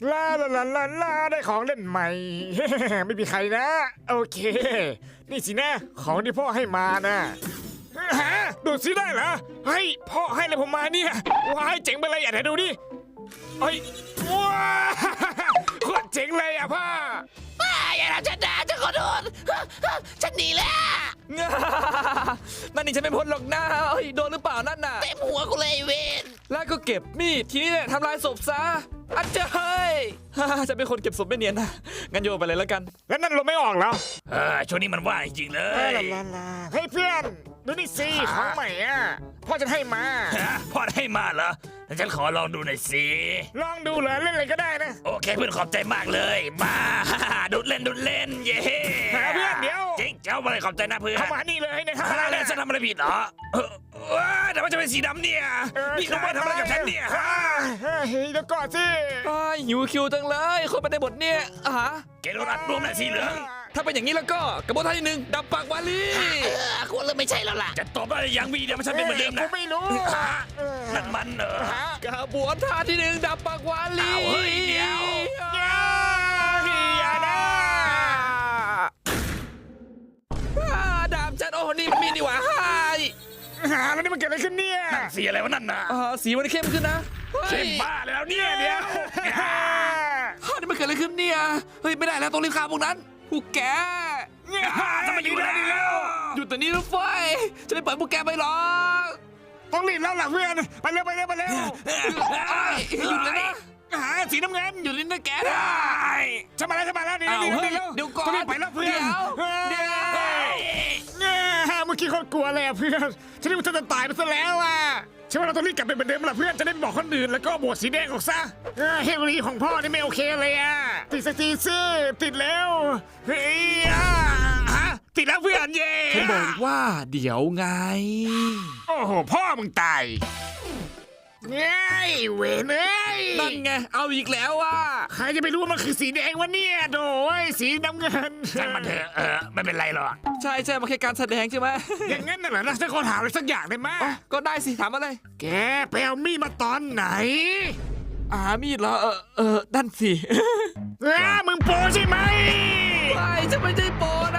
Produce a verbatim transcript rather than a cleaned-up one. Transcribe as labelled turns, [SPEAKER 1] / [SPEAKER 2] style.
[SPEAKER 1] ลาลาลาลาลาได้ของเล่นใหม่ ไม่มีใครนะ โอเค นี่สินะของที่พ่อให้มานะฮะดูสิได้เหรอเฮ้ยพ่อให้อะไรผมมาเนี่ยว้ายเจ๋งไปเลยอ่ะไหนดูดิเฮ้ยว้าโคตรเจ๋งเลยอ่ะพ่อ
[SPEAKER 2] อย่าทำฉันนะฉันขอโทษฉันหนีแล้ว
[SPEAKER 3] นั่นนี่ฉันไม่พ้นหรอกนะเฮ้ยโดนหรือเปล่านั่นน่ะ
[SPEAKER 2] เต็มหัวกูเลยเวน
[SPEAKER 3] แล้วก็เก็บมีดทีนี้เนี่ยทำลายศพซะอัจเจ้ย จะเป็นคนเก็บศพไม่เนียนนะงั้นโยนไปเลยแล้วกัน
[SPEAKER 1] แล้วนั่นเราไม่ออกแล้ว
[SPEAKER 4] เออช่วงนี้มันว่างจริงๆเล
[SPEAKER 1] ลาย ลาลาลาเฮ้ยเพื่อนดูนี่สิของใหม่อ่ะพ่อจะให้มา
[SPEAKER 4] ฮะพ่อให้มาเหรองั้นฉันขอลองดูหน่อยสิ
[SPEAKER 1] ลองดูเหรอเล่นอะไรก็ได้นะ
[SPEAKER 4] โอเคเพื่อนขอบใจมากเลยมา ดูดเล่นดูดเล่นเย้
[SPEAKER 1] หาเพื่อนเดี๋ยว
[SPEAKER 4] จริงเจ้าอะไรขอบใจนะเพื่อน
[SPEAKER 1] เข้ามานี่เลยในทำ
[SPEAKER 4] อะ
[SPEAKER 1] อะไร ไร
[SPEAKER 4] แล้ว
[SPEAKER 1] นะ
[SPEAKER 4] ฉันทำอะไรผิดเหรอเออเออแต่ว่าจะเป็นสีดำเนี่ย
[SPEAKER 1] เออ
[SPEAKER 4] นี่น้องมาทำอะไรกับฉันเนี่ยฮะ
[SPEAKER 1] เฮ้ยเดี๋ยวก่อนสิ
[SPEAKER 3] อ้ายหิวคิวจังเลยคนไปในบทเนี่ยอ่ะฮะ
[SPEAKER 4] แกโดนอัดรวมหน่อยสีเหลือง
[SPEAKER 3] ถ้าเป็นอย่างนี้แล้วก็กระบวนท่าที่หนึ่งดับปากวาลี
[SPEAKER 2] เออควรเริ่มไม่ใช่แล้วล่ะ
[SPEAKER 4] จะตบอะไรยังวีเดียวมันฉันเป็นเหมือนเดิม
[SPEAKER 1] กู
[SPEAKER 4] นะ
[SPEAKER 1] ไม่รู้
[SPEAKER 4] ฮะนั่นมันเหรอ
[SPEAKER 1] ฮะ
[SPEAKER 3] กระบวนท่าที่หนึ่งดับปากวาลี
[SPEAKER 4] อ้าวเฮ้ยเดี๋ยว
[SPEAKER 1] อย่าอย่านะ
[SPEAKER 3] อ่าดาบฉันโอ้นี่มันมีนี่หว่าฮ่าย
[SPEAKER 1] หาแล้วนี่มันเกิดอะไรขึ้นเนี่ย
[SPEAKER 4] สีอะไรวะนั่นน่ะ
[SPEAKER 3] อ่าสีมันเข้มขึ้นนะเฮ้ย
[SPEAKER 4] เข้มบ้าแล้วเนี่ยเดี๋ยว
[SPEAKER 3] ฮ่านี่มันเกิดอะไรขึ้นเนี่ยเฮ้ยไม่ได้แล้วต้องรีบฆ่าพวกนั้นพวกแก
[SPEAKER 4] ทำไมอยู่แล้ว
[SPEAKER 3] หยุดตัวนี้รถไฟจะไม่ปล่อยพวกแกไปหรอก
[SPEAKER 1] ต้องรีบแล้วล่ะเพื่อนไปเร็วไปเร็วไปเร็ว
[SPEAKER 3] ไอ้หยุดเลยนะ
[SPEAKER 1] หาสีน้ำเงิน
[SPEAKER 3] หยุดลิ้นนะแกนะ
[SPEAKER 1] ฉันมาแล้วฉันมาแล้วนี่
[SPEAKER 3] อ้าว
[SPEAKER 1] นี่
[SPEAKER 3] เฮ้ย
[SPEAKER 1] นี่
[SPEAKER 3] เดี๋ยวก่อน
[SPEAKER 1] ต้องรีบไปแล้วเพื่อน
[SPEAKER 3] เดี๋ยวเดี๋ยว
[SPEAKER 1] เมื่อกี้คนกลัวเลยอะเพื่อนฉันนึกว่าเธอจะตายไปซะแล้วอ่ะฉันว่าเราต้องรีบกลับไปเหมือนเดิมละเพื่อนจะได้ไม่บอกคนอื่นแล้วก็บวชสีแดงออกซะเออเฮโรอีของพ่อนี่ไม่โอเคเลยอ่ะติดสักทีสิติดแล้วเฮ้ยอ่ะฮะติดแล้วเพื่อนเย่
[SPEAKER 3] ฉันบอกว่าเดี๋ยวไง
[SPEAKER 1] โอ้โหพ่อมึงตายเง้ยเวนเอ้ย
[SPEAKER 3] นั่นไงเอาอีกแล้วว่ะ
[SPEAKER 1] ใครจะไปรู้ว่ามันคือสีแดงวะเนี่ยโดยสีน้ำเงิน
[SPEAKER 4] ช่างมันเถอะเออไม่เป็นไรหรอก
[SPEAKER 3] ใช่ใช่มาแค่การแสดงใช่ไหม
[SPEAKER 1] อย่างงั้นน่ะเหรอนะฉันขอถามอะไรสักอย่างได้ไหม
[SPEAKER 3] อ๋อก็ได้สิถามอะไร
[SPEAKER 1] แกไปเอามีดมาตอนไหน
[SPEAKER 3] อ่ามีดเหรอเออเออนั่นสิ
[SPEAKER 1] อ้ามึงโปใช่ไหม
[SPEAKER 3] ไม่จะไม่ได้ปน